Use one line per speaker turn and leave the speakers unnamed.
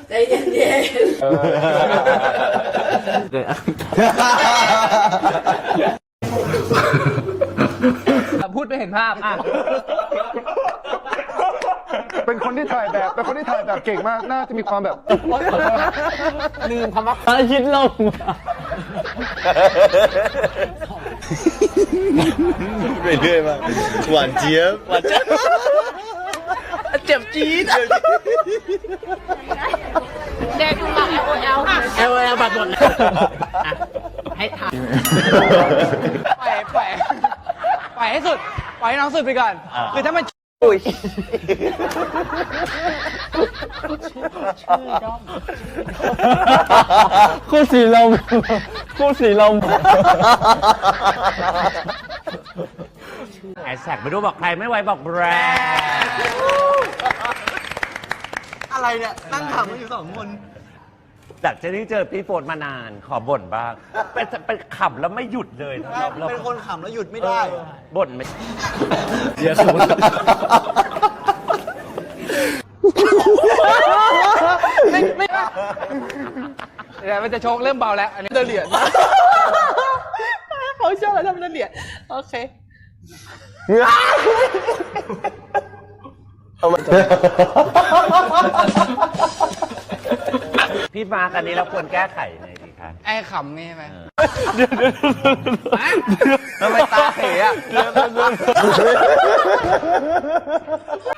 ใจเย็น
พูดไม่เห็นภาพอ่ะ
เป็นคนที่ถ่ายแบบเก่งมากน่าจะมีความแบบ
ลืมคำว่าคิดลง
ไปเรื่อยมากหวานเจี๊ยบหวานเจี๊ยบ
เจ็บจี๊ด
เด็กหมักLOL
บัตรหมดเลยให้ทำปล่อยให้สุดปล่อยให้น้องสุดไปก่อนคือถ้ามันคู่สีลมแฮชแท็กไม่รู้บอกใครไม่ไว้บอกแบรนด์
อะไรเนี่ยนั่งถามกันอยู่2 คน
จากจะได้เจอพี่โฟนมานานขอบ่นบ้างเป็นขำแล้วไม่หยุดเลยนะ
เป็นคนขำแล้วหยุดไม่ได้
บ่นไม่
เดี๋ยวสมมติ
ไม่เดี๋ยวมันจะโชกเริ่มเบาแล้วอันนี้เดินเหรียญเขาชอบแล้วทำเดินเหรียญโอเค
พี่มากันนี้เราควรแก้ไขยังไงดีคะ
ไอ้ขำนี่ใช่ไหม
ทำไมตาเขยอ่ะ